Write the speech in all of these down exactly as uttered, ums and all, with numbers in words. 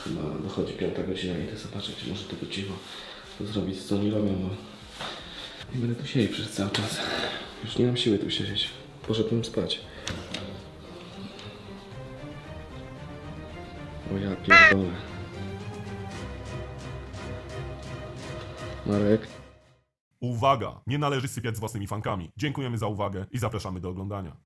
Chyba dochodzi piąta godzina, idę zobaczyć, może tego cicho to zrobić, co oni robią, bo nie będę tu siedzieć przez cały czas. Już nie mam siły tu siedzieć. Poszedłem spać. O ja pierdolę. Marek. Uwaga! Nie należy sypiać z własnymi fankami. Dziękujemy za uwagę i zapraszamy do oglądania.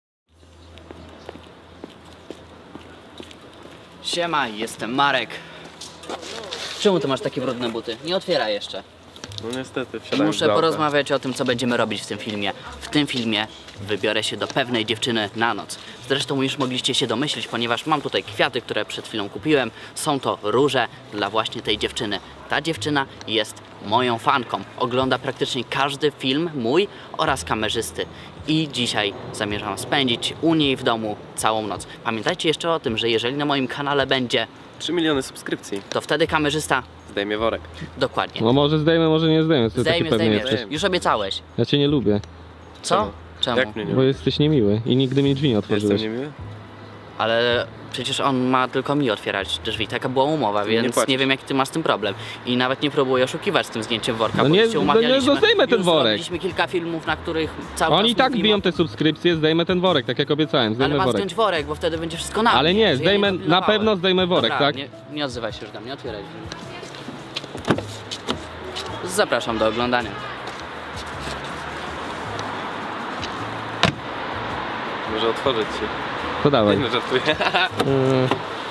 Siema, jestem Marek. Czemu ty masz takie brudne buty? Nie otwieraj jeszcze. No niestety, I wsiadałem muszę z auta. porozmawiać o tym, co będziemy robić w tym filmie. W tym filmie wybiorę się do pewnej dziewczyny na noc. Zresztą już mogliście się domyślić, ponieważ mam tutaj kwiaty, które przed chwilą kupiłem. Są to róże dla właśnie tej dziewczyny. Ta dziewczyna jest moją fanką. Ogląda praktycznie każdy film mój oraz kamerzysty. I dzisiaj zamierzam spędzić u niej w domu całą noc. Pamiętajcie jeszcze o tym, że jeżeli na moim kanale będzie, trzy miliony subskrypcji. to wtedy kamerzysta Zdejmie worek. dokładnie. No może zdejmę, może nie zdejmę. Co Zdejmie, taki pewny zdejmie. jesteś? Już obiecałeś. Ja cię nie lubię, Co? Czemu? Jak mnie nie bo jesteś niemiły i nigdy mi drzwi nie Jestem otworzyłeś. niemiły? Ale przecież on ma tylko mi otwierać drzwi. Taka była umowa, Ty nie więc nie, płacisz. wiem, jaki ty masz z tym problem. I nawet nie próbuję oszukiwać z tym zdjęciem worka, No bo nie, już się no nie, umawialiśmy. no zdejmę ten Już worek. Zrobiliśmy kilka filmów, na których cały Oni czas i tak mówimy biją o- te subskrypcje, zdejmę ten worek, tak jak obiecałem, Ale zdejmę masz worek. zdjąć worek, bo wtedy będzie wszystko na Ale mnie, nie, że ja zdejmę, nie na dopilnowałem. pewno zdejmę worek, Dobra, tak? Nie, nie odzywaj się już do mnie, otwieraj drzwi. Zapraszam do oglądania. Może otworzyć się. To dawaj. No żartuję. Yy,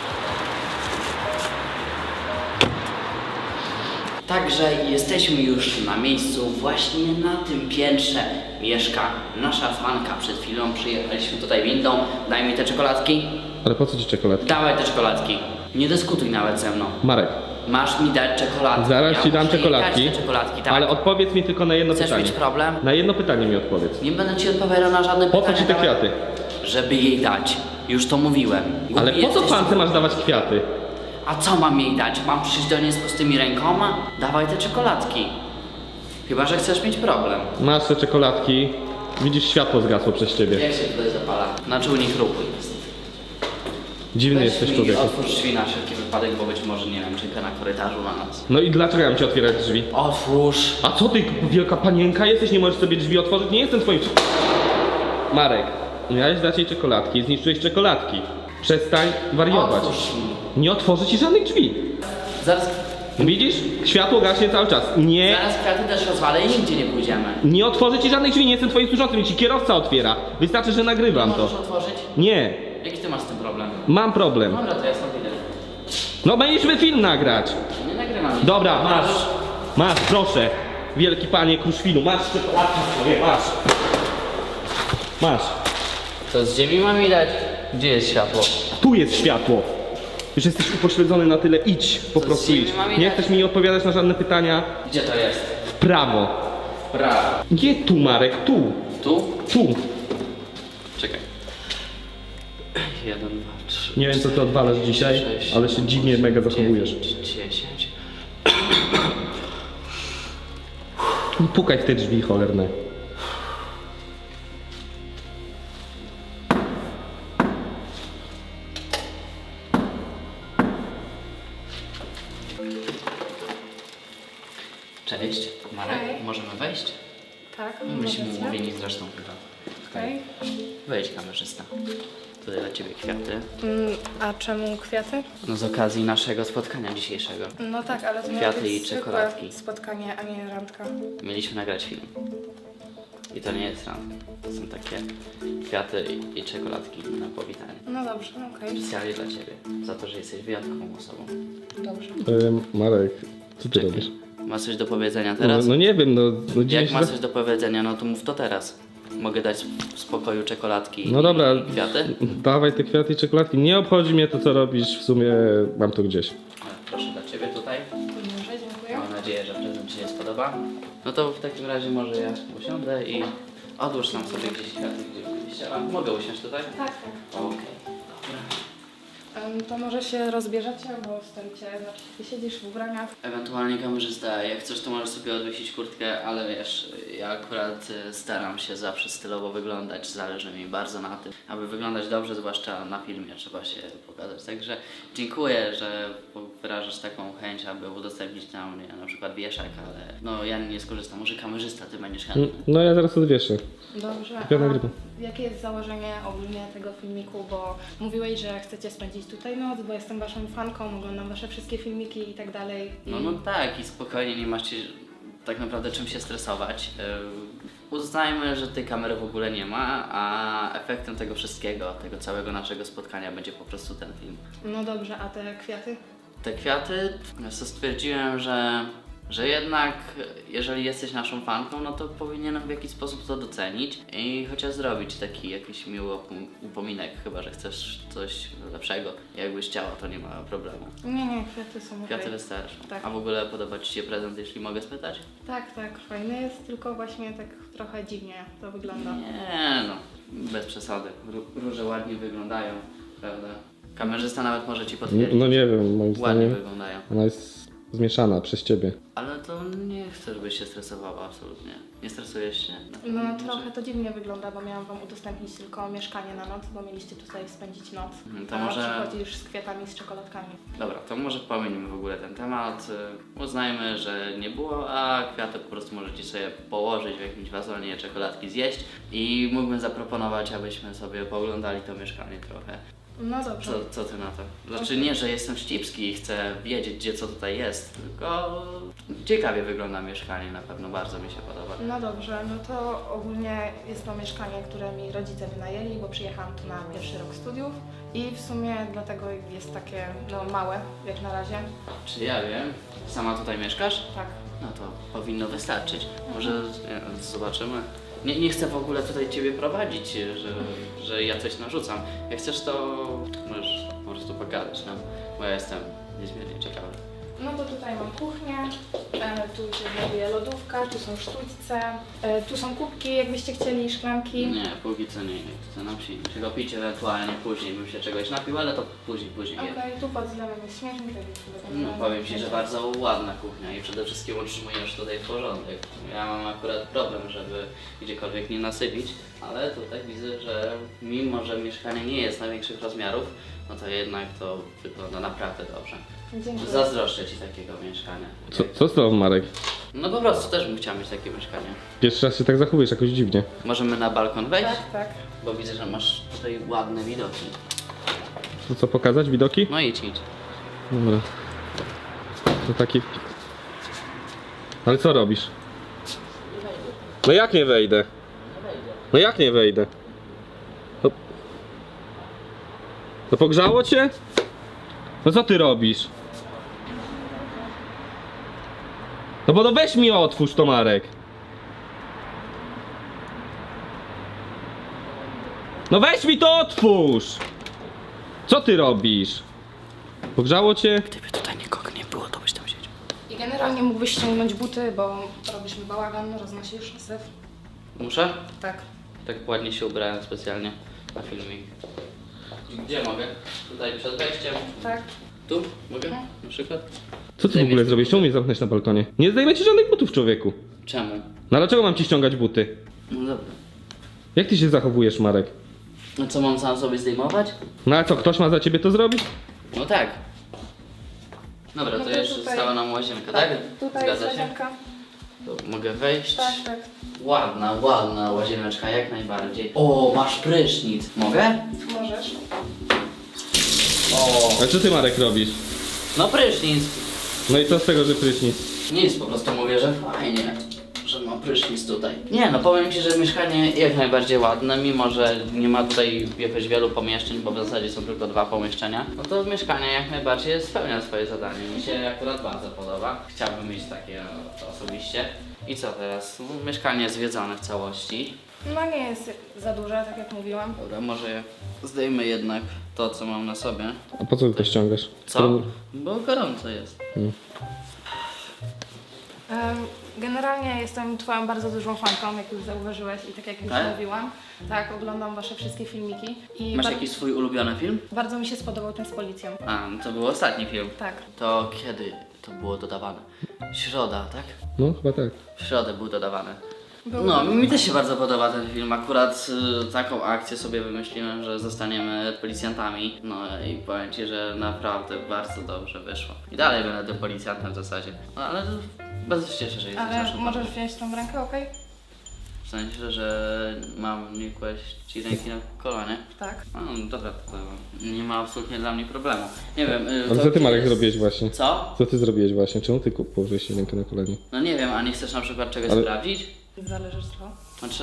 Także jesteśmy już na miejscu, właśnie na tym piętrze mieszka nasza fanka. Przed chwilą przyjechaliśmy tutaj windą. Daj mi te czekoladki. ale po co ci czekoladki? Dawaj te czekoladki. Nie dyskutuj nawet ze mną. Marek, Masz mi dać czekoladki. zaraz Ja ci dam muszę czekoladki, jechać te czekoladki, tak? ale odpowiedz mi tylko na jedno Chcesz pytanie. mieć problem? Na jedno pytanie mi odpowiedz. Nie będę ci odpowiadał na żadne Po co pytania. ci te dawaj. kwiaty? Żeby jej dać. Już to mówiłem. Głupi Ale po co jesteś, pance masz dawać kwiaty? A co mam jej dać? Mam przyjść do niej z pustymi rękoma? Dawaj te czekoladki. Chyba, że chcesz mieć problem. Masz te czekoladki, widzisz światło zgasło przez ciebie. Jak się tutaj zapala? Na czujnik ruchu jest. Dziwny Weź jesteś mi, człowieku. otwórz drzwi na wszelki wypadek, bo być może, nie wiem, czeka na korytarzu na nas. No i dlaczego ja mam ci otwierać drzwi? Otwórz. A co ty, wielka panienka jesteś, nie możesz sobie drzwi otworzyć? Nie jestem twoim... Marek, miałeś dać jej czekoladki, zniszczyłeś czekoladki. Przestań wariować. Otwórz mi. Nie otworzę ci żadnych drzwi. Zaraz, Widzisz? Światło gaśnie cały czas. Nie, zaraz kwiaty też rozwalę i nigdzie nie pójdziemy. nie otworzę ci żadnych drzwi, nie jestem twoim służącym, ci kierowca otwiera. Wystarczy, że nagrywam Możesz to. otworzyć? Nie, Jaki ty masz z tym problem? mam problem. Dobra, to ja stąd idę. No mieliśmy film nagrać. Nie nagrywam nic. Dobra, masz. Masz, proszę. Wielki panie Kruszwilu, masz czekoladki swoje, masz. Masz. To z ziemi mam mi dać? Gdzie jest światło? Tu jest światło. Już jesteś upośledzony na tyle, idź, po Co, prostu z ziemi idź. mam Nie jechać? chcesz mi odpowiadać na żadne pytania? Gdzie to jest? W prawo. Prawo. Nie tu, Marek, tu. Tu? Tu. Czekaj. Jeden, dwa, trzy. Nie wiem, co ty odwalasz dzisiaj, sześć, ale się dziwnie mega zachowujesz. dziewięć, dziesięć. Pukaj w te drzwi cholerne. Cześć, Marek. Hej. Możemy wejść? Tak, Myśmy możecie. umówieni zresztą chyba. Okej. Wejdź, kamerzysta. Tutaj dla ciebie kwiaty. Mm, a czemu kwiaty? No z okazji naszego spotkania dzisiejszego. No tak, ale to miało Kwiaty być i zwykłe czekoladki. spotkanie, a nie randka. Mieliśmy nagrać film. I to nie jest randka. To są takie kwiaty i, i czekoladki na powitanie. No dobrze, okej, Specjalnie dla ciebie. Za to, że jesteś wyjątkową osobą. dobrze. Marek, co ty Czekaj. robisz? Masz coś do powiedzenia No, teraz? no nie wiem, no, no dziwnie Jak się masz za- coś do powiedzenia, no to mów to teraz. Mogę dać w spokoju czekoladki No dobra, i kwiaty? dawaj te kwiaty i czekoladki. Nie obchodzi mnie to, co robisz, w sumie mam to gdzieś. E, Proszę dla ciebie tutaj. Dobrze, dziękuję. Mam nadzieję, że prezent Ci się spodoba. No to w takim razie może ja usiądę i odłóż tam sobie gdzieś kwiaty, gdzie byś chciała. Mogę usiąść tutaj? Tak, tak. Okej, dobra. Em, To może się rozbierzecie, bo stoicie, znaczy ty siedzisz w ubraniach. Ewentualnie kamerzysta, jak chcesz to możesz sobie odwiesić kurtkę, ale wiesz, ja akurat y, staram się zawsze stylowo wyglądać, zależy mi bardzo na tym, aby wyglądać dobrze, zwłaszcza na filmie trzeba się pokazać. Także dziękuję, że wyrażasz taką chęć, aby udostępnić na mnie na przykład wieszak, ale no ja nie skorzystam, może kamerzysta, ty będziesz chętny. No ja zaraz odwieszę. Dobrze, Ja a nagrywam. jakie jest założenie ogólnie tego filmiku, bo mówiłeś, że chcecie spędzić tutaj noc, bo jestem waszą fanką, oglądam wasze wszystkie filmiki i tak dalej. I... No, no tak i spokojnie, nie macie tak naprawdę czym się stresować. Yy, uznajmy, że tej kamery w ogóle nie ma, a efektem tego wszystkiego, tego całego naszego spotkania będzie po prostu ten film. No dobrze, a te kwiaty? Te kwiaty, ja sobie stwierdziłem, że, że jednak jeżeli jesteś naszą fanką, no to powinienem w jakiś sposób to docenić i chociaż zrobić taki jakiś miły upom- upominek, chyba że chcesz coś lepszego. Jakbyś chciała, to nie ma problemu. Nie, nie, kwiaty są okej. Kwiaty wystarczą. Tak. A w ogóle podoba Ci się prezent, jeśli mogę spytać? Tak, tak, fajny jest, tylko właśnie tak trochę dziwnie to wygląda. Nie no, bez przesady. Ró- Róże ładnie wyglądają, prawda? Kamerzysta nawet może Ci potwierdzić. No nie wiem, moim Ładnie zdaniem wyglądają. ona jest zmieszana przez ciebie. Ale to nie chcę, żebyś się stresowała, absolutnie. Nie stresujesz się? Na No pewno, trochę że- to dziwnie wygląda, bo miałam wam udostępnić tylko mieszkanie na noc, bo mieliście tutaj spędzić noc. Mhm, to a może- przychodzisz z kwiatami, z czekoladkami. Dobra, to może pominimy w ogóle ten temat. y, Uznajmy, że nie było, a kwiaty po prostu możecie sobie położyć w jakimś wazonie, czekoladki zjeść i mógłbym zaproponować, abyśmy sobie pooglądali to mieszkanie trochę. No dobrze. Co, co ty na to? Znaczy nie, że jestem ścipski i chcę wiedzieć, gdzie co tutaj jest, tylko ciekawie wygląda mieszkanie, na pewno bardzo mi się podoba. No dobrze, no to ogólnie jest to mieszkanie, które mi rodzice wynajęli, bo przyjechałam tu na pierwszy rok studiów i w sumie dlatego jest takie no małe jak na razie. Czy ja wiem? Sama tutaj mieszkasz? Tak. No to powinno wystarczyć. Może nie, zobaczymy. Nie, nie chcę w ogóle tutaj ciebie prowadzić, że, że ja coś narzucam. Jak chcesz, to możesz po prostu pogadać nam, bo ja jestem niezmiernie ciekawy. No to tutaj mam kuchnię, e, tu się znajduje lodówka, tu są sztućce, e, tu są kubki, jakbyście chcieli, szklanki. Nie, póki co nie, nie chcę nam się czego pić, ewentualnie później bym się czegoś napił, ale to później, później. Okej, tu pod zlewem jest śmietnik, tak jak No, powiem Ci, że bardzo ładna kuchnia i przede wszystkim utrzymujesz tutaj porządek. Ja mam akurat problem, żeby gdziekolwiek nie nasypić, ale tutaj widzę, że mimo, że mieszkanie nie jest największych rozmiarów, no to jednak to wygląda naprawdę dobrze. Dziękuję. Zazdroszczę Ci takiego mieszkania. Co, co z tobą, Marek? No po prostu też bym chciał mieć takie mieszkanie. Pierwszy raz się tak zachowujesz jakoś dziwnie. Możemy na balkon wejść? Tak, tak. Bo widzę, że masz tutaj ładne widoki. To co, pokazać widoki? No idź, idź. Dobra. To taki... Ale co robisz? No jak nie wejdę? No jak nie wejdę? No, no pogrzało cię? No co ty robisz? No bo no weź mi otwórz to, Marek. No weź mi to otwórz! Co ty robisz? Pogrzało cię? Gdyby tutaj nikogo nie było, to byś tam siedział. I generalnie mógłbyś ściągnąć buty, bo robisz mi bałagan, roznosisz syf. Muszę? Tak. Tak ładnie się ubrałem specjalnie na filmik. Gdzie mogę? Tutaj przed wejściem. Tak. Tu? Mogę? Na przykład? Co ty w ogóle zrobisz? Czemu mnie zamknąć na balkonie? Nie zdejmę ci żadnych butów, człowieku. Czemu? No ale dlaczego mam ci ściągać buty? No dobra. Jak ty się zachowujesz, Marek? No co, mam sam sobie zdejmować? No a co, ktoś ma za ciebie to zrobić? No tak. Dobra, No to to jeszcze tutaj- została nam łazienka, tak? Tutaj jest Zgadza się? łazienka. To mogę wejść? Tak, tak. Ładna, ładna łazieneczka, jak najbardziej. O, masz prysznic. Mogę? Możesz. O, A co ty, Marek, robisz? no prysznic. No i co z tego, że prysznic? Nic, po prostu mówię, że fajnie, że ma prysznic tutaj. Nie no, powiem Ci, że mieszkanie jak najbardziej ładne, mimo że nie ma tutaj jakoś wielu pomieszczeń, bo w zasadzie są tylko dwa pomieszczenia, no to mieszkanie jak najbardziej spełnia swoje zadanie. Mi się akurat bardzo podoba. Chciałbym mieć takie no, osobiście. I co teraz? No, mieszkanie zwiedzone w całości. No nie jest za duże, tak jak mówiłam. Dobra, może zdejmę jednak to, co mam na sobie. A po co ty to ściągasz? Co? Bo gorąco jest. Em, Generalnie jestem twoją bardzo dużą fanką, jak już zauważyłeś i tak jak już Tak? mówiłam. Tak, oglądam wasze wszystkie filmiki i Masz bar- jakiś swój ulubiony film? bardzo mi się spodobał ten z policją. A, no to był ostatni film. Tak. To kiedy to było dodawane? Środa, tak? No, chyba tak. W środę był dodawany. Był No, bardzo- mi też się bardzo podoba ten film. Akurat y, taką akcję sobie wymyśliłem, że zostaniemy policjantami. No i powiem ci, że naprawdę bardzo dobrze wyszło. I dalej będę tym policjantem w zasadzie. No ale bardzo się cieszę, że jesteś Ale naszym możesz partnerem. wziąć tą rękę, okej? W sensie, że mam nie kłaść ci ręki na kolonie. Tak. No dobra, to nie ma absolutnie dla mnie problemu. Nie wiem. y, Ale to co ty, Marek, jest- zrobiłeś właśnie? Co? Co ty zrobiłeś właśnie? Czemu ty ku- położyłeś rękę na kolanie? No nie wiem, a nie chcesz na przykład czegoś Ale- sprawdzić? Zależy co. Znaczy...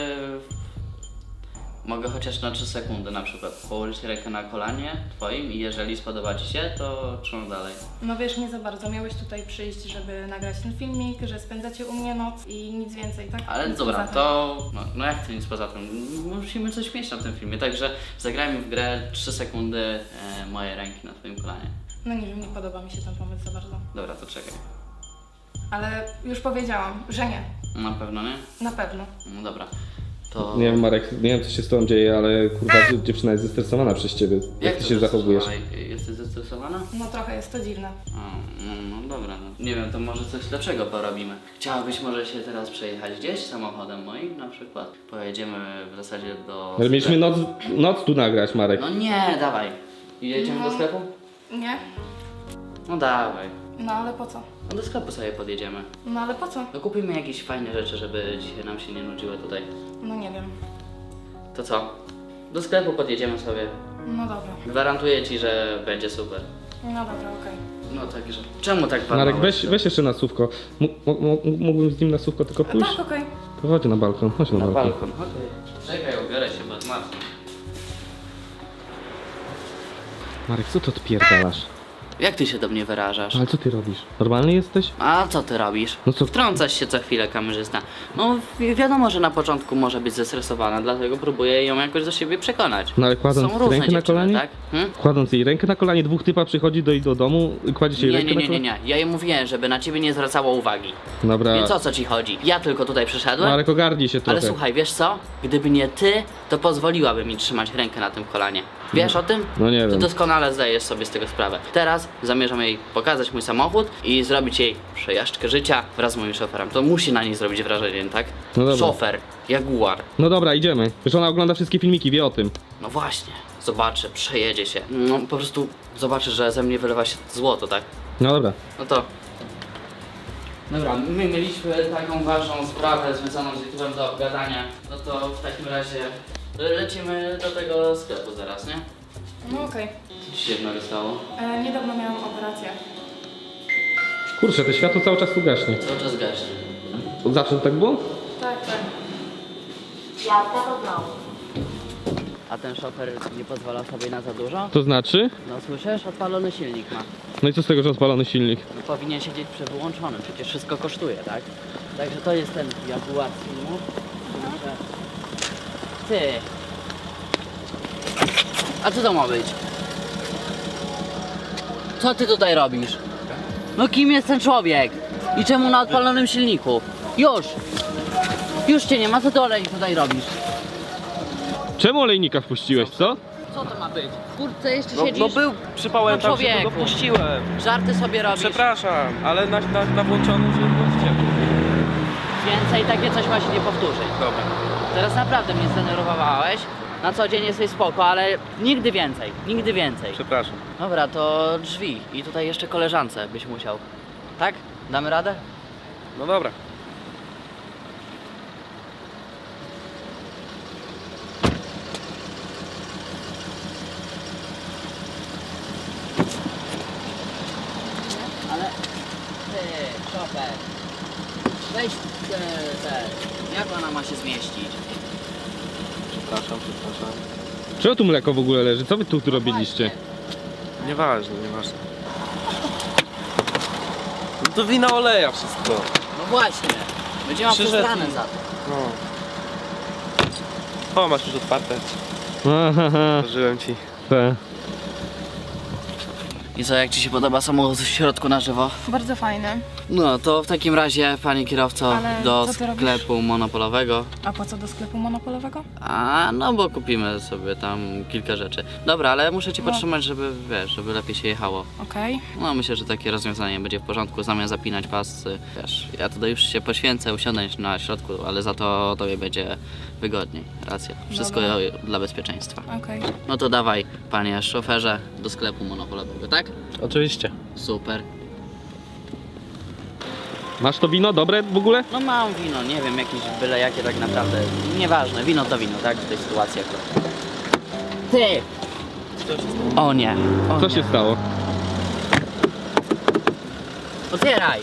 Mogę chociaż na trzy sekundy na przykład położyć rękę na kolanie twoim i jeżeli spodoba ci się, to trzymam dalej. No wiesz, nie za bardzo. Miałeś tutaj przyjść, żeby nagrać ten filmik, że spędzacie u mnie noc i nic więcej, tak? Ale Nic dobra, poza tym. to... No, no jak to nic poza tym? Musimy coś mieć na tym filmie, także zagrajmy w grę trzy sekundy e, moje ręki na twoim kolanie. No nie wiem, nie podoba mi się ten pomysł za bardzo. Dobra, to czekaj. Ale już powiedziałam, że nie. Na pewno nie? Na pewno. No dobra. To... Nie wiem, Marek, nie wiem co się z tobą dzieje, ale kurwa dzie- dziewczyna jest zestresowana przez ciebie. Jak, ty to się zachowujesz? zestresowana? Jesteś zestresowana? No trochę jest to dziwne. A, no, no dobra, no. Nie wiem, to może coś lepszego porobimy. Chciałabyś może się teraz przejechać gdzieś samochodem moim na przykład? Pojedziemy w zasadzie do... Ale mieliśmy sklepu. noc, noc tu nagrać, Marek. No nie, dawaj. Jedziemy do sklepu? Nie? No dawaj. No ale po co? No do sklepu sobie podjedziemy. No ale po co? No kupimy jakieś fajne rzeczy, żeby dzisiaj nam się nie nudziły tutaj. No nie wiem. To co? Do sklepu podjedziemy sobie. No dobra. Gwarantuję ci, że będzie super. No dobra, okej. No także. Czemu tak Marek, walnąłeś? weź, weź jeszcze na słówko. M- m- m- mógłbym z nim na słówko tylko pójść? Tak, okej. To chodź na balkon, chodź na, Na balkon. balkon, okej. Czekaj, ubiorę się, bo zmarzłem. Marek, co to odpierdalasz? Jak ty się do mnie wyrażasz? Ale co ty robisz? Normalny jesteś? A co ty robisz? No co- Wtrącasz się co chwilę, kamerzysta. No wi- wiadomo, że na początku może być zestresowana, dlatego próbuję ją jakoś do siebie przekonać. No ale kładąc Są różne rękę na dziewczyny, kolanie? tak? Hmm? Kładąc jej rękę na kolanie, dwóch typa przychodzi do, do domu, kładzie się jej Nie, rękę nie, na nie, nie, kolanie? nie. Ja jej mówiłem, żeby na ciebie nie zwracało uwagi. Dobra, Więc o co ci chodzi? Ja tylko tutaj przyszedłem. Marek, ogarnij się trochę. Ale słuchaj, wiesz co? Gdyby nie ty, to pozwoliłaby mi trzymać rękę na tym kolanie. Wiesz o tym? No nie Ty wiem. doskonale zdajesz sobie z tego sprawę. Teraz zamierzam jej pokazać mój samochód i zrobić jej przejażdżkę życia wraz z moim szoferem. To musi na niej zrobić wrażenie, tak? No dobra. Szofer, Jaguar. No dobra, idziemy. Wiesz, ona ogląda wszystkie filmiki, wie o tym. No właśnie, zobaczy, przejedzie się. No po prostu zobaczy, że ze mnie wylewa się złoto, tak? No dobra. No to... Dobra, my mieliśmy taką ważną sprawę związaną z YouTube'em do obgadania. No to w takim razie lecimy do tego sklepu zaraz, nie? No okej. Co ci się jednego stało? E, Niedawno miałam operację. Kurczę, to światło cały czas tu gaśnie. Cały czas gaśnie. Od zawsze to tak było? Tak, tak. A ten szofer nie pozwala sobie na za dużo? To znaczy? No słyszysz? Odpalony silnik ma. No i co z tego, że odpalony silnik? No, powinien siedzieć przewyłączony, przecież wszystko kosztuje, tak? Także to jest ten Jaguar z filmu. Także... Ty! A co to ma być? Co ty tutaj robisz? No kim jest ten człowiek? I czemu na odpalonym silniku? Już! Już cię nie ma, co ty olej tutaj robisz? Czemu olejnika wpuściłeś, co? Co to ma być? W kurtce jeszcze No, siedzisz? no był, przypałem No tam, że go człowieku. puściłem. Żarty sobie robisz. Przepraszam, ale na, na, na włączony, że było ciepło. Więcej takie coś ma się nie powtórzyć. Dobra. Teraz naprawdę mnie zdenerwowałeś. Na co dzień jesteś spoko, ale nigdy więcej, nigdy więcej. Przepraszam. Dobra, to drzwi i tutaj jeszcze koleżance byś musiał. Tak? Damy radę? No dobra. Ale ty, szofer, weź te, te, jak ona ma się zmieścić? Przepraszam, przepraszam. Czego tu mleko w ogóle leży? Co wy tu, tu robiliście? Nieważne, nieważne. No to wina oleja wszystko. No właśnie, będzie miał Przyszedł przesrane i- za to. No. O, masz już otwarte. Aha, Otworzyłem ci. te. I co, jak Ci się podoba samochód w środku na żywo? Bardzo fajne. No to w takim razie, panie kierowco, Ale do co ty robisz? sklepu monopolowego. A po co do sklepu monopolowego? A, no bo kupimy sobie tam kilka rzeczy. Dobra, ale muszę Cię No. podtrzymać, żeby, wiesz, żeby lepiej się jechało. Okej. No myślę, że takie rozwiązanie będzie w porządku, zamiast zapinać pasy. Wiesz, ja tutaj już się poświęcę, usiądę na środku, ale za to tobie będzie wygodniej. Racja. Wszystko Dobra. dla bezpieczeństwa. Okej. No to dawaj, panie szoferze, do sklepu monopolowego, tak? Oczywiście. Super. Masz to wino dobre w ogóle? No mam wino, nie wiem, jakieś byle jakie tak naprawdę. Nieważne, wino to wino, tak? W tej sytuacji akurat. Ty! O nie. O Co nie. się stało? Otwieraj!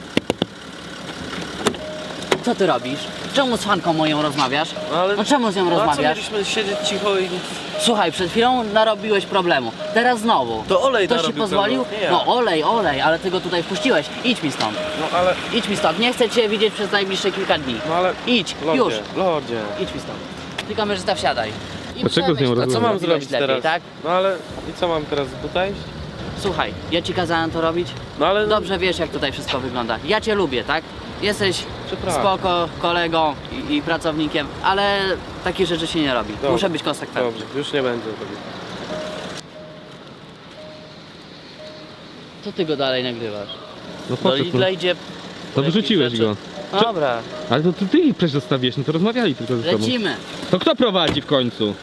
Co ty robisz? Czemu z fanką moją rozmawiasz? No ale... No czemu z nią No a co rozmawiasz? mieliśmy siedzieć cicho i... Słuchaj, przed chwilą narobiłeś problemu. Teraz znowu. To olej Ktoś ci narobił pozwolił? problemu, nie ja. No olej, olej, ale ty go tutaj wpuściłeś. Idź mi stąd. No ale... Idź mi stąd. Nie chcę cię widzieć przez najbliższe kilka dni. No ale... Idź, Lodzie, już. Lodzie. Idź mi stąd. Ty kamerzysta wsiadaj. I Dlaczego z nią przemyśl to, A co rozmawiasz? mam zrobiłeś zrobić lepiej, teraz? tak? No ale... I co mam teraz tutaj? Słuchaj, ja ci kazałem to robić. No ale... Dobrze wiesz, jak tutaj wszystko wygląda. Ja cię lubię, tak? Jesteś Przepraszam. spoko kolegą i, i pracownikiem, ale takich rzeczy się nie robi. Dobrze. Muszę być konsekwentny. Dobrze, już nie będzie robił. Co ty go dalej nagrywasz? No Do poszedł. Lidla No. idzie... To wyrzuciłeś rzeczy. go. Dobra, Ale to ty, ty ich przecież zostawiłeś, no to rozmawiali tylko ze sobą. lecimy. To kto prowadzi w końcu?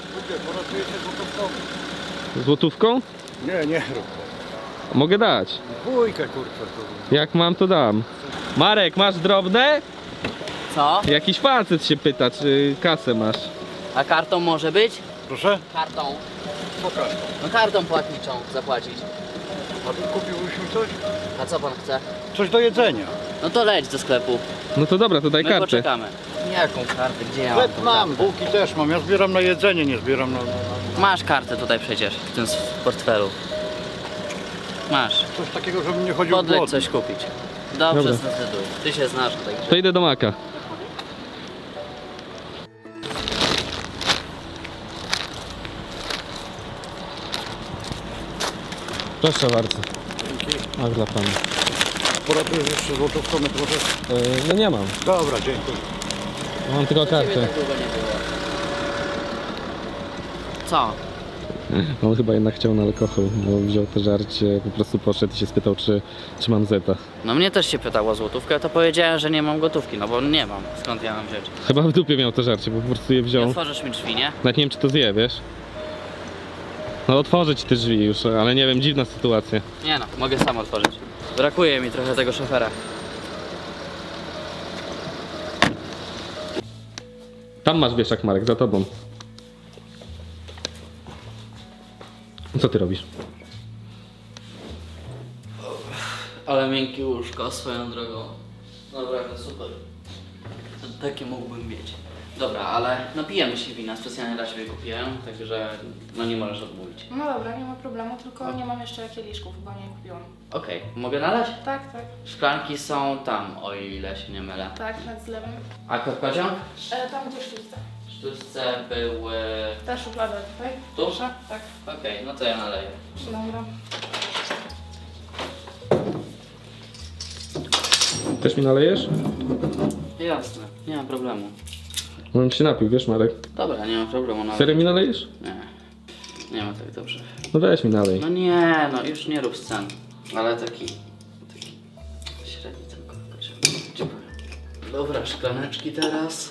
Złotówką? Nie, nie. Mogę dać. Dwójkę kurczę. to- Jak mam, to dam. Marek, masz drobne? Co? Jakiś facet się pyta, czy kasę masz. A kartą może być? Proszę? Kartą. Pokaż. No kartą płatniczą zapłacić. A tu kupiłbyś mi coś? A co pan chce? Coś do jedzenia. No to leć do sklepu. No to dobra, to daj My kartę. poczekamy. Jaką kartę? Gdzie ja mam Chleb tą mam, kartę? bułki też mam. Ja zbieram na jedzenie, nie zbieram na... na, na... Masz kartę tutaj przecież, w tym portfelu. Masz. Coś takiego, żebym nie chodził Podleć głodny. coś kupić. Dobrze, Dobra. zdecyduj. Ty się znasz na takich To rzeczach. idę do Maka. Proszę bardzo. Ach, dla pana. Poratujesz jeszcze złotówką na trochę? no nie mam. Dobra, dziękuję. Mam tylko Ciebie kartę. tak długo nie było. Co? On chyba jednak chciał na alkohol, bo wziął to żarcie, po prostu poszedł i się spytał, czy, czy mam zeta. No mnie też się pytało o złotówkę, to powiedziałem, że nie mam gotówki, no bo nie mam. Skąd ja mam wziąć? Chyba w dupie miał to żarcie, bo po prostu je Nie wziął. otworzysz mi drzwi, nie? Nawet nie wiem, czy to zje, wiesz? No otworzę ci te drzwi już, ale nie wiem, dziwna sytuacja. Nie no, mogę sam otworzyć. Brakuje mi trochę tego szofera. Tam masz wieszak, Marek, za tobą. Co ty robisz? Ale miękkie łóżko swoją drogą. Naprawdę super. Takie mógłbym mieć. Dobra, ale napijemy się wina, specjalnie dla Ciebie kupiłem, także no nie możesz odmówić. No dobra, nie ma problemu, tylko nie mam jeszcze kieliszków, bo nie kupiłam. Okej, mogę nalać? Tak, tak, Szklanki są tam, o ile się nie mylę. tak, nad zlewem. A pociąg? E, tam gdzie sztuczce. W sztuczce były... Ta szuflada tutaj. Tu? Proszę, tak. Okej, no to ja naleję. Dobra. Też mi nalejesz? Jasne, nie ma problemu. Bo bym się napił, wiesz, Marek? Dobra, nie ma problemu. Nawet. Serio mi nalejesz? Nie, nie ma tak dobrze. No weź mi nalej. No nie, no już nie rób scen. Ale taki... taki... średni tylko. Ci powiem. Dobra, szklaneczki teraz.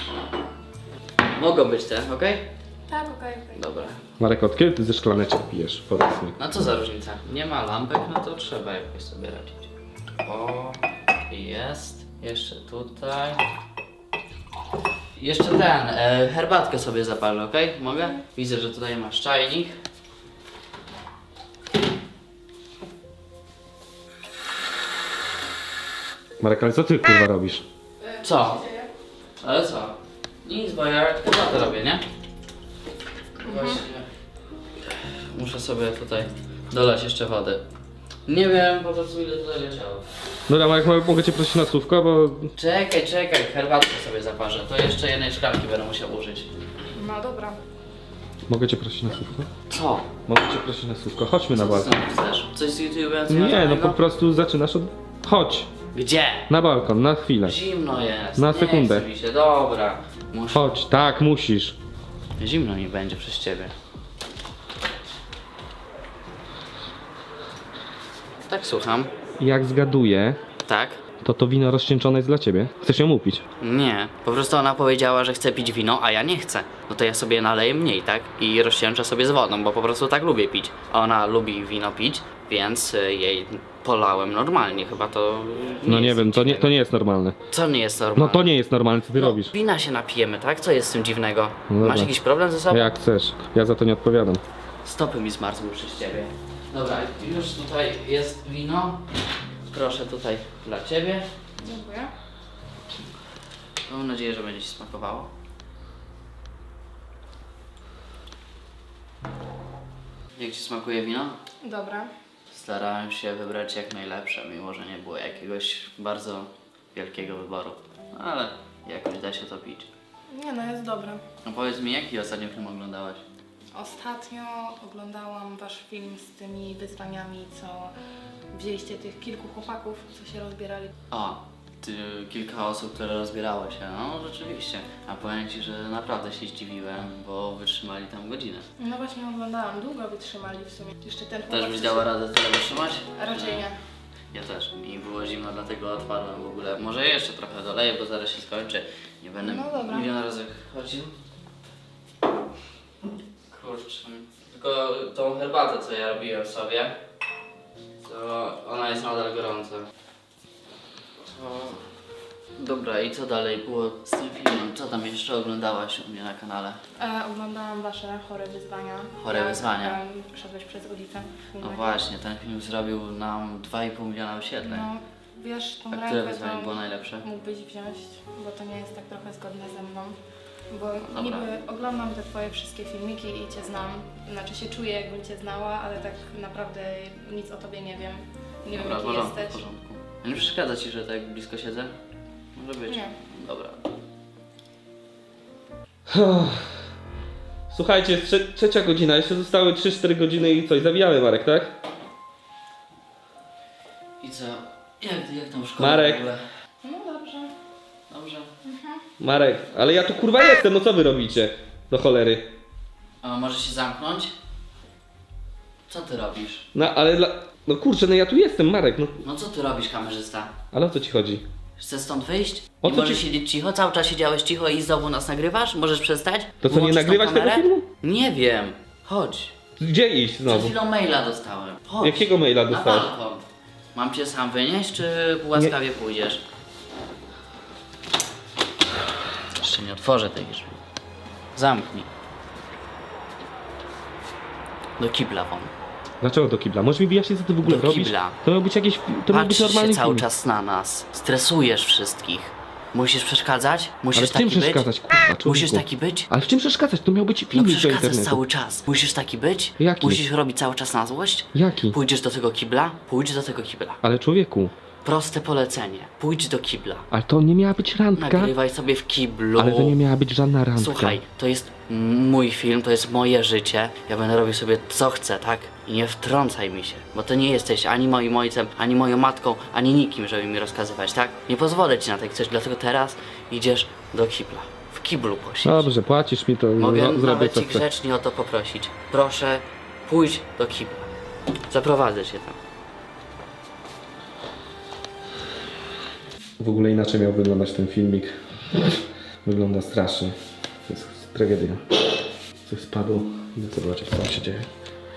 Mogą być te, okej? Tak, okej, okej. Dobra. Marek, od kiedy ty ze szklaneczek pijesz? Powiedz mi. No co za różnica? Nie ma lampek, no to trzeba jakoś sobie radzić. O, jest. Jeszcze tutaj. Jeszcze ten, e, herbatkę sobie zapalę, okej? Mogę? Widzę, że tutaj masz czajnik. Marek, ale co ty kurwa robisz? Co? Ale co? Nic, bo ja chyba to robię, nie? Właśnie. Muszę sobie tutaj dolać jeszcze wody. Nie wiem po prostu ile tutaj leciało. Dobra, Marek, mo- mogę cię prosić na słówko, bo... Czekaj, czekaj, herbatkę sobie zaparzę. To jeszcze jednej szklanki będę musiał użyć. No dobra. Mogę cię prosić na słówko? Co? Mogę cię prosić na słówko? Chodźmy na Co ty balkon. znowu chcesz? Coś z YouTube'a Nie, no związanego? po prostu zaczynasz od... Chodź! Gdzie? Na balkon, na chwilę. Zimno jest. Na nie sekundę. chce mi się. Dobra. Muszę... Chodź, tak, musisz. Zimno mi będzie przez ciebie. Tak, słucham. Jak zgaduję, Tak? to to wino rozcieńczone jest dla ciebie. Chcesz ją upić? Nie. Po prostu ona powiedziała, że chce pić wino, a ja nie chcę. No to ja sobie naleję mniej, tak? I rozcieńczę sobie z wodą, bo po prostu tak lubię pić. A ona lubi wino pić, więc y, jej polałem normalnie. Chyba to... No nie jest wiem, to nie, dziwnego. to nie jest normalne. Co nie jest normalne? No to nie jest normalne, co ty No, robisz. wina się napijemy, tak? Co jest z tym dziwnego? No dobra. Masz jakiś problem ze sobą? Jak chcesz, ja za to nie odpowiadam. Stopy mi zmarzły przez ciebie. Dobra, już tutaj jest wino. Proszę tutaj dla ciebie. Dziękuję. Mam nadzieję, że będzie ci smakowało. Jak ci smakuje wino? Dobra. Starałem się wybrać jak najlepsze, mimo że nie było jakiegoś bardzo wielkiego wyboru. Ale jakoś da się to pić. Nie no, jest dobre. No powiedz mi, jaki ostatnio film oglądałaś? Ostatnio oglądałam wasz film z tymi wyzwaniami, co wzięliście tych kilku chłopaków, co się rozbierali. O, ty, kilka osób, które rozbierało się. No rzeczywiście. A powiem ci, że naprawdę się zdziwiłem, bo wytrzymali tam godzinę. No właśnie oglądałam, długo wytrzymali w sumie. Jeszcze ten Też chłopak, byś co dała się- radę tyle wytrzymać? Raczej nie. Ja też. Mi było zimno, dlatego odpadłem w ogóle. Może jeszcze trochę doleję, bo zaraz się skończy. Nie będę No dobra. milion razy chodził. Kurczę. Tylko tą herbatę, co ja robiłem sobie, to ona jest nadal gorąca. To... Dobra, i co dalej było z tym filmem? Co tam jeszcze oglądałaś u mnie na kanale? E, oglądałam wasze chore wyzwania. Chore Jak, wyzwania. em, Szedłeś przez ulicę. w No filmie. właśnie, ten film zrobił nam dwa i pół miliona wyświetleń. No, wiesz, tą A które rękę wyzwanie to było najlepsze? mógłbyś wziąć, bo to nie jest tak trochę zgodne ze mną. Bo Dobra. niby oglądam te twoje wszystkie filmiki i cię znam. Znaczy się czuję, jakbym cię znała, ale tak naprawdę nic o tobie nie wiem. Nie Dobra, w wiem, jaki porządku, w jesteś. porządku. A nie przeszkadza ci, że tak blisko siedzę? Może być. Nie. Dobra. Słuchajcie, jest trze- trzecia godzina, jeszcze zostały trzy cztery godziny i coś, zawijamy Marek, tak? I co? Jak, jak tam szkoła Marek. w ogóle? No dobrze. Dobrze. Marek, ale ja tu kurwa jestem, no co wy robicie? Do cholery. A może się zamknąć? Co ty robisz? No ale dla... No kurczę, no ja tu jestem, Marek, no. No co ty robisz, kamerzysta? Ale o co ci chodzi? Chcesz stąd wyjść? O Nie co możesz ci- siedzieć cicho? Cały czas siedziałeś cicho i znowu nas nagrywasz? Możesz przestać? To co, nie Wyłączysz tą nagrywać tego kamerę? filmu? Nie wiem. Chodź. Gdzie iść Przed znowu? chwilą maila dostałem. Chodź. Jakiego maila Na dostałeś? balkon. Mam cię sam wynieść, czy łaskawie pójdziesz? Jeszcze nie otworzę tej drzwi. Zamknij. Do kibla won. Dlaczego do kibla? Możesz mi wyjaśnić, co ty w ogóle Do robisz? kibla. To miał być jakieś... To miał być Patrzysz normalny się cały film. czas na nas. Stresujesz wszystkich. Musisz przeszkadzać? Musisz Ale w taki czym przeszkadzać, być? kurwa, człowieku? Musisz taki być? Ale w czym przeszkadzać? To miał być No filmik do przeszkadzasz internetu. cały czas. Musisz taki być? Jaki? Musisz robić cały czas na złość? Jaki? Pójdziesz do tego kibla? Pójdź do tego kibla. Ale człowieku, Proste polecenie. Pójdź do kibla. ale to nie miała być randka. Nagrywaj sobie w kiblu. Ale to nie miała być żadna randka. Słuchaj, to jest mój film, to jest moje życie. Ja będę robił sobie co chcę, tak? I nie wtrącaj mi się, bo to nie jesteś ani moim ojcem, ani moją matką, ani nikim, żeby mi rozkazywać, tak? Nie pozwolę ci na takie coś, dlatego teraz idziesz do kibla. W kiblu posiedź. Dobrze, płacisz mi to, Mogę no, zrobię nawet co ci chcę. grzecznie o to poprosić. Proszę, pójdź do kibla. Zaprowadzę cię tam. W ogóle inaczej miał wyglądać ten filmik. Wygląda strasznie. To jest tragedia. Coś spadło. Idę zobaczyć, co tam się dzieje.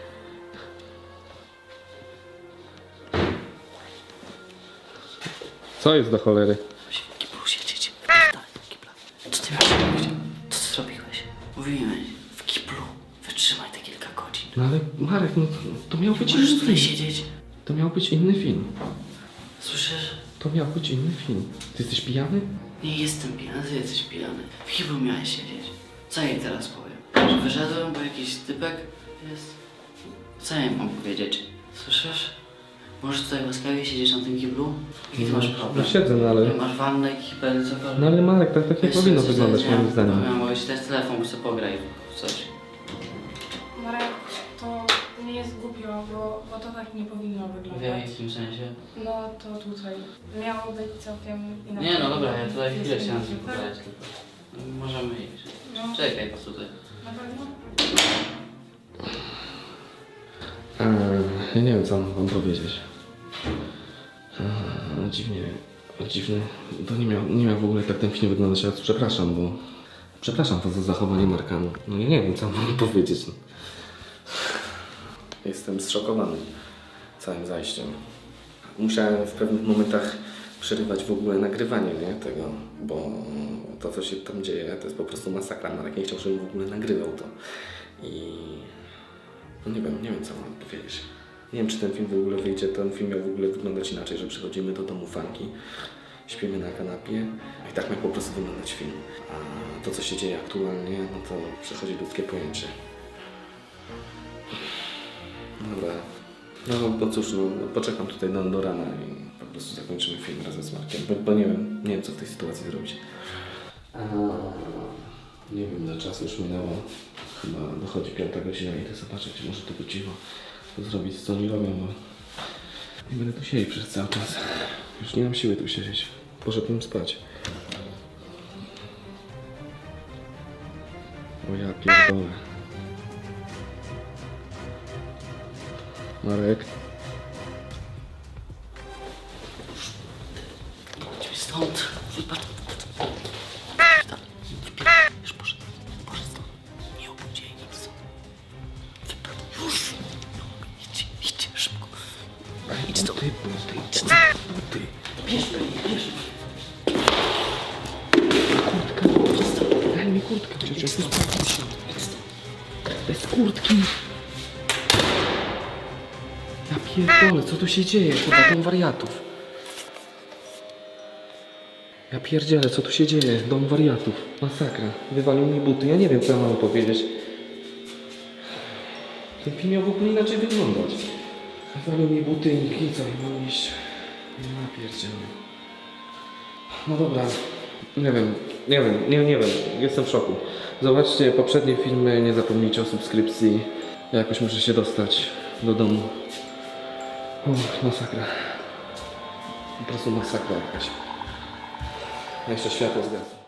Co jest do cholery? Musi w kiblu siedzieć. Wpierdalaj do kibla. Co ty miałeś robić? Co ty zrobiłeś? Mówiłem, w kiblu. Wytrzymaj te kilka godzin. No ale Marek, no to miał być Możesz inny tutaj film. siedzieć. To miał być inny film. Słyszysz? To miał być inny film. Ty jesteś pijany? Nie jestem pijany, ty jesteś pijany. W kiblu miałeś siedzieć. Co jej teraz powiem? Że wyszedłem, bo jakiś typek jest? Co ja im mam powiedzieć? Słyszysz? Możesz tutaj łaskawie siedzieć na tym kiblu? Jaki ty masz problem? No siedzę, no ale... Nie masz wannę, kibel, cokolwiek? No ale Marek, tak, tak nie Wiesz, powinno coś wyglądać teraz moim miałem- zdaniem. Miałem mogę ci dać telefon, bo sobie pograj w coś. jest głupio, bo, bo to tak nie powinno W wyglądać. jakim sensie? No to tutaj miało być całkiem inaczej. Nie no dobra, ja tutaj Jest chwilę chciałem inaczej, ci tak? pokazać tylko. Możemy iść. No. Czekaj po tutaj. Na pewno? Eee, ja nie wiem, co mam wam powiedzieć. Eee, dziwnie, dziwny. To nie miał, nie miał w ogóle tak ten film wyglądać, ja przepraszam, bo... Przepraszam was za zachowanie Marka. No, no ja nie wiem, co mam wam powiedzieć. No. Jestem zszokowany całym zajściem. Musiałem w pewnych momentach przerywać w ogóle nagrywanie, nie, tego, bo to, co się tam dzieje, to jest po prostu masakra. Marek nie chciał, żebym w ogóle nagrywał to. I... No nie wiem, nie wiem, co mam powiedzieć. Nie wiem, czy ten film w ogóle wyjdzie. Ten film miał w ogóle wyglądać inaczej, że przychodzimy do domu fanki, śpimy na kanapie i tak miał po prostu wyglądać film. A to, co się dzieje aktualnie, no to przechodzi ludzkie pojęcie. Dobra. No bo cóż, no, poczekam tutaj do, do rana i po prostu zakończymy film razem z Markiem, bo, bo nie wiem, nie wiem, co w tej sytuacji zrobić. A, nie wiem, ile czasu już minęło. Chyba dochodzi piąta godzina i idę zobaczyć, może tylko cicho to zrobić, co oni robią, bo nie będę tu siedzieć przez cały czas. Już nie mam siły tu siedzieć. Poszedłem spać. O ja pierdolę. Marek. Idźmy stąd. Wypadł. Już poszedł. Poszedł stąd. Nie obudź jej nic. Wypadł. Już. No, idź, idź szybko. Idź stąd. Buty, buty, Idź stąd. buty. Bierz mnie, bierz mnie. Kurtka. Daj mi kurtkę. Chociaż Idź stąd. Idź stąd. Idź stąd. bez kurtki. Ja pierdolę, co tu się dzieje? Chyba dom wariatów. Ja pierdzielę, co tu się dzieje? Dom wariatów. Masakra. Wywalił mi buty. Ja nie wiem, co ja mam powiedzieć. Ten film miał w ogóle inaczej wyglądać. Wywalił mi buty i co? I mam iść. Ja pierdzielę. No dobra. Nie wiem, nie wiem, nie, nie wiem. Jestem w szoku. Zobaczcie poprzednie filmy, nie zapomnijcie o subskrypcji. Ja jakoś muszę się dostać do domu. Uff, masakra. Po prostu masakra jakaś. A jeszcze światło zgasło.